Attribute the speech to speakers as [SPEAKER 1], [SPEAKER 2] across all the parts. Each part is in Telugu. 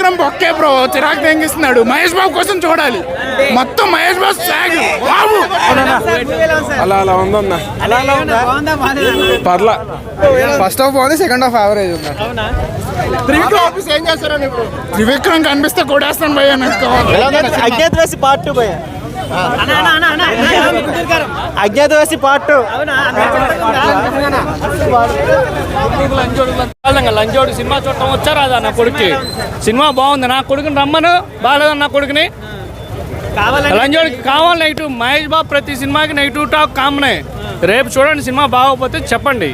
[SPEAKER 1] త్రివిక్రమ్ బొక్కే బ్రో, చిరాకు తెంగిస్తున్నాడు. మహేష్ బాబు కోసం చూడాలి, మొత్తం మహేష్ బాబు సాగు బాబు.
[SPEAKER 2] అలా అలా ఉందన్న, పర్లా.
[SPEAKER 3] ఫస్ట్ హాఫ్ బాగుంది, సెకండ్ హాఫ్ యావరేజ్ ఉంది.
[SPEAKER 1] త్రివిక్రమ్ కనిపిస్తే కొడేస్తాను భయ్య.
[SPEAKER 4] అజ్ఞాతవాసి పార్ట్ 2 భయ్య, అజ్ఞాతవాసి పార్ట్ 2.
[SPEAKER 5] లంచోడు సినిమా చూడటం వచ్చారా నా కొడుక్కి? సినిమా బాగుంది, నా కొడుకుని రమ్మను. బాగాలేదు నా కొడుకుని, లంచోడికి కావాలి నెగిటివ్. మహేష్ బాబు ప్రతి సినిమాకి నెగిటివ్ టాక్ కామనే. రేపు చూడండి, సినిమా బాగోకపోతే చెప్పండి.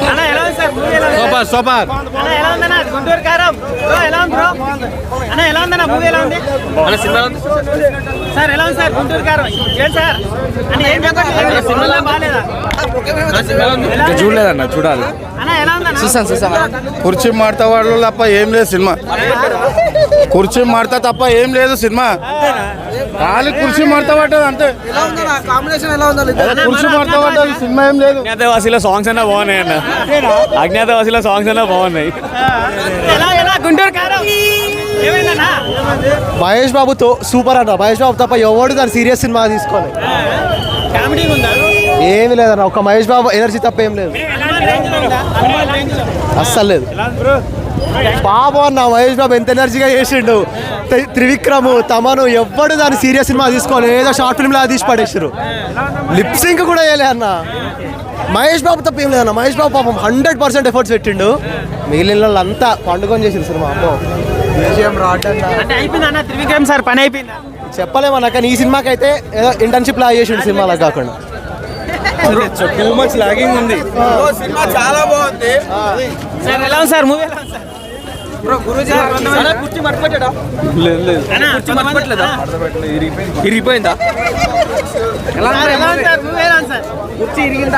[SPEAKER 4] సూపర్.
[SPEAKER 6] గుంటూరు కారం ఎలా ఉంది బ్రో? అన్న ఎలా ఉందన్న మూవీ? ఎలా ఉంది సార్? ఎలా ఉంది సార్ గుంటూరు కారం? ఏంటి సార్ అని ఏం చెప్పండి, సినిమా బాగాలేదా?
[SPEAKER 2] చూడలేదన్న, చూడాలి.
[SPEAKER 6] అన్న ఎలా ఉందన్న?
[SPEAKER 3] చూసాను.
[SPEAKER 7] కుర్చీ మాడతా వాళ్ళు తప్ప ఏం లేదు సినిమా. కుర్చీ మాడతా తప్ప ఏం లేదు సినిమా. ఖాళీ కుర్చీ మాడతా పడ్డది అంతే. కుర్చీ మాడతా పడ్డది, సినిమా ఏం లేదు.
[SPEAKER 5] అజ్ఞాతవాసిలో సాంగ్స్ అన్నా బాగున్నాయి అన్న, అజ్ఞాతవాసిలో సాంగ్స్ అన్నా బాగున్నాయి.
[SPEAKER 6] గుంటూరు కారం ఏమైందన్నా?
[SPEAKER 4] మహేష్ బాబుతో సూపర్ అన్న. మహేష్ బాబు తప్ప ఎవడు దాని సీరియస్ సినిమా తీసుకోవాలి.
[SPEAKER 6] కామెడీ ఉందా?
[SPEAKER 4] ఏమి లేదన్న, ఒక మహేష్ బాబు ఎనర్జీ తప్ప ఏం లేదు, అస్సలు లేదు. బాబు అన్న మహేష్ బాబు ఎంత ఎనర్జీగా చేసిండు. త్రివిక్రమ్, తమను ఎవ్వడు దాని సీరియస్ సినిమా తీసుకోవాలి, ఏదో షార్ట్ ఫిల్మ్ లాగా తీసి పడేసారు. లిప్సింక్ కూడా వేయలే అన్న. మహేష్ బాబు తప్ప ఏం లేదన్న. మహేష్ బాబు పాపం 100% ఎఫర్ట్స్ పెట్టిండు. మిగిలిన వాళ్ళంతా పండుకొని చేసిండు సినిమా. అమ్మో విజయం
[SPEAKER 6] అంటే అయిపోయింది అన్న, త్రివిక్రమ్ సార్ పని అయిపోయిందా?
[SPEAKER 4] చెప్పలేమన్నా, కానీ ఈ సినిమాకి అయితే ఏదో ఇంటర్న్షిప్ లాగా చేసిండు సినిమాలకు కాకుండా.
[SPEAKER 2] టూ మచ్ లాగింగ్ ఉంది.
[SPEAKER 3] సినిమా చాలా బాగుంది.
[SPEAKER 6] సార్ ఎలా ఉంది సార్ మూవీ? ఎలా ఉంది సార్?
[SPEAKER 2] కుర్చీ మర్చిపోయాడా? లేదు, ఇరిగిపోయిందా?
[SPEAKER 6] ఎలా ఉంది సార్ మూవీ? ఎలా ఉంది సార్?
[SPEAKER 3] కుర్చీ ఇరిగిందా?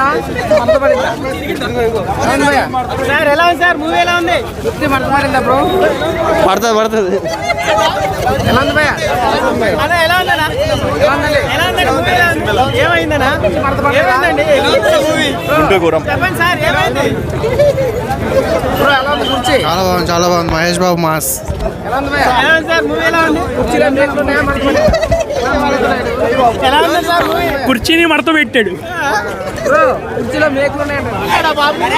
[SPEAKER 6] సార్ ఎలా ఉంది సార్ మూవీ? ఎలా ఉంది?
[SPEAKER 3] కుర్చీ మంటమారిందా బ్రో?
[SPEAKER 4] పడుతుంది.
[SPEAKER 3] ఎలా ఉంది భయ్యా?
[SPEAKER 6] అన్న ఎలా ఉందన్నా? ఎలా ఉందండి మూవీ? ఎలా ఉంది? ఏమైందన్నా? ఏమైందండి చెప్పండి సార్, ఏమైంది?
[SPEAKER 3] కుర్చీ
[SPEAKER 7] చాలా బాగుంది, చాలా బాగుంది. మహేష్ బాబు మాస్.
[SPEAKER 3] ఎలా ఉంది భయ్యా?
[SPEAKER 6] ఎలా ఉంది సార్ మూవీ? ఎలా ఉంది?
[SPEAKER 3] కుర్చీలో మేకులు ఉన్నాయా?
[SPEAKER 6] ఎలా ఉంది సార్ మూవీ?
[SPEAKER 5] కుర్చీని మడత పెట్టాడు.
[SPEAKER 3] కుర్చీలో మేకులు ఉన్నాయంట.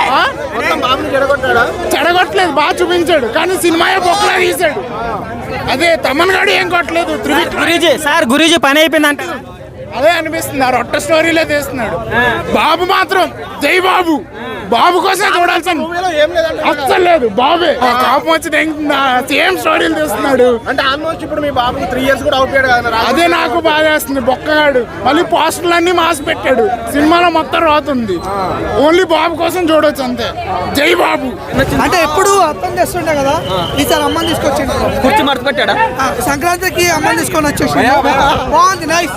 [SPEAKER 1] చెడగొట్టలేదు, బాగా చూపించాడు, కానీ సినిమా బొక్కలా తీశాడు. అదే తమన్ గాడు ఏం కొట్టలేదు.
[SPEAKER 6] గురూజీ సార్, గురూజీ పని అయిపోయింది అంటే
[SPEAKER 1] అదే అనిపిస్తుంది, ఆ రొట్ట స్టోరీలో తీస్తున్నాడు. బాబు మాత్రం జై బాబు, బాబు కోసం చూడాల్సిన అస్సలు లేదు. బాబే కాపం వచ్చి సేమ్ స్టోరీలు తీస్తున్నాడు.
[SPEAKER 7] అంటే ఆల్మోస్ట్ ఇప్పుడు మీ బాబు 3 years కూడా అవుట్ కదా.
[SPEAKER 1] అదే నాకు బాధ వేస్తుంది. బొక్కగాడు మళ్ళీ పోస్టర్లు అన్ని మాస్ పెట్టాడు, సినిమాలో మొత్తం రాతుంది. ఓన్లీ బాబు కోసం చూడొచ్చు అంతే. జై బాబు.
[SPEAKER 8] అంటే ఎప్పుడు అర్థం చేస్తుండే కదా, ఈసారి అమ్మని తీసుకొచ్చిండు.
[SPEAKER 2] కుర్చీ మర్చిపోయాడా?
[SPEAKER 8] సంక్రాంతికి అమ్మని తీసుకొని వచ్చేసి బాగుంది, నైస్.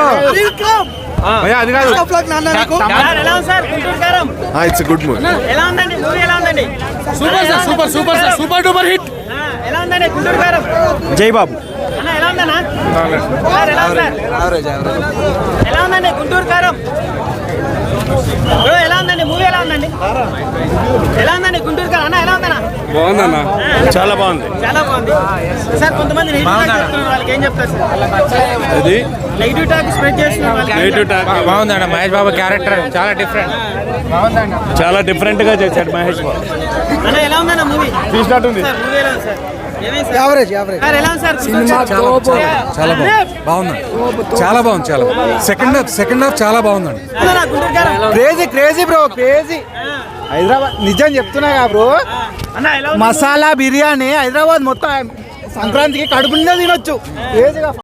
[SPEAKER 7] అది కాదు.
[SPEAKER 6] సార్ ఎలా ఉంది sir Guntur Kaaram?
[SPEAKER 7] It's good movie.
[SPEAKER 6] ఎలా ఉందండి మూవీ? ఎలా ఉందండి?
[SPEAKER 5] Super sir, super super sir, super duper hit.
[SPEAKER 6] ఎలా ఉందండి గుంటూరు కారం?
[SPEAKER 4] జై బాబు.
[SPEAKER 6] అన్న ఎలా ఉందన్నా? సార్ ఎలా ఉంది సార్? ఎలా ఉందండి గుంటూరు కారం? బ్రో ఎలా ఉందండి మూవీ? ఎలా ఉందండి? ఎలా ఉందండి గుంటూరు కారం? అన్న ఎలా ఉందన్నా?
[SPEAKER 2] బాగుందన్న, చాలా బాగుంది.
[SPEAKER 6] చాలా బాగుంది సార్. కొంతమంది నెగిటివ్ టాక్ చెప్తున్నారు, వాళ్ళకి ఏం చెప్తారు సార్?
[SPEAKER 2] అది
[SPEAKER 6] నెగిటివ్ టాక్ స్ప్రెడ్ చేస్తున్నారు వాళ్ళకి.
[SPEAKER 2] నెగిటివ్ టాక్
[SPEAKER 3] బాగుందండి. మహేష్ బాబు క్యారెక్టర్ చాలా డిఫరెంట్.
[SPEAKER 2] చాలా డిఫరెంట్ గా చేశాడు మహేష్ బాబు.
[SPEAKER 6] అన్న ఎలా ఉందన్న మూవీ?
[SPEAKER 2] తీసినట్టుంది.
[SPEAKER 6] సార్ మూవీ ఎలా ఉంది సార్? ఏమైంది సార్?
[SPEAKER 8] యావరేజ్
[SPEAKER 6] సార్ ఎలా ఉంది సార్?
[SPEAKER 9] చాలా బాగుంది, చాలా బాగుంది. సెకండ్ హాఫ్ చాలా బాగుందండి.
[SPEAKER 6] గుంటూరు కారం
[SPEAKER 4] క్రేజీ బ్రో, క్రేజీ. హైదరాబాద్ నిజం చెప్తున్నా బ్రో,
[SPEAKER 6] అన్న ఎలా ఉంది?
[SPEAKER 4] మసాలా బిర్యానీ హైదరాబాద్ మొత్తం సంక్రాంతికి కడుపు నిండా తినొచ్చు. క్రేజీగా